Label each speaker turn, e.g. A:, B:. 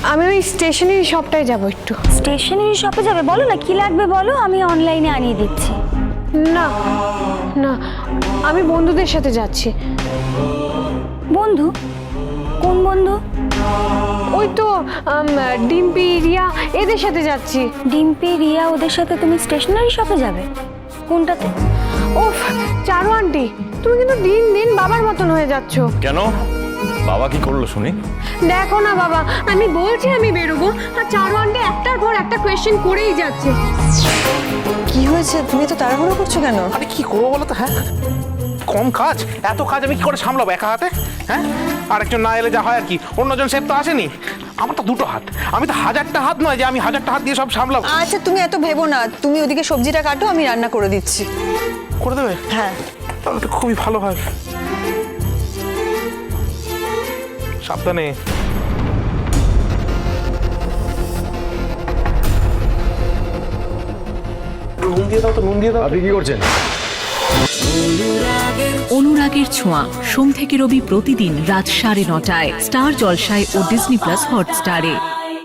A: আমি ওই স্টেশনারি শপটায় যাব একটু।
B: স্টেশনারি শপে যাবে? বলো না কি লাগবে বলো, আমি অনলাইনে আনিয়ে দিচ্ছি।
A: না না, আমি বন্ধুদের সাথে যাচ্ছি।
B: বন্ধু? কোন বন্ধু?
A: ওই তো ডিম্পি, রিয়া এদের সাথে যাচ্ছি।
B: ডিম্পি, রিয়া ওদের সাথে তুমি স্টেশনারি শপে যাবে? কোনটাতে?
A: ওফ চারু আন্টি, তুমি কিন্তু দিন দিন বাবার মতন হয়ে যাচ্ছ।
C: কেন, বাবা কি করলো শুনি?
A: দেখো না বাবা, আমি বলছি আমি বেরোবো, আর চারু আন্টি একটার পর একটা কোয়েশ্চেন করেই যাচ্ছে।
D: কি হয়েছে? তুমি তো তাড়াহুড়ো করছো কেন?
E: আরে কি করবো বলো তো? হ্যাঁ, কম কাজ, এত কাজ আমি কি করে সামলাবো একা হাতে? হ্যাঁ, আরেকজন না এলে যা হয় আর কি, অন্যজন সেফ তো আসেনি। আমার তো দুটো হাত, আমি তো 1000টা হাত নয় যে আমি 1000টা হাত দিয়ে সব সামলাবো।
D: আচ্ছা তুমি এত ভেবো না, তুমি ওদিকে সবজিটা কাটো, আমি রান্না করে দিচ্ছি।
E: করে দেবে?
D: হ্যাঁ।
E: তাহলে তো খুবই ভালো হয়। সাবধানে। নুন দিয়ে দাও তো, নুন দিয়ে দাও।
C: আপনি কি করছেন?
F: অনুরাগের ছোঁয়া, সোম থেকে রবি প্রতিদিন রাত 9:30টায় স্টার জলসায় ও ডিজনি প্লাস হটস্টারে।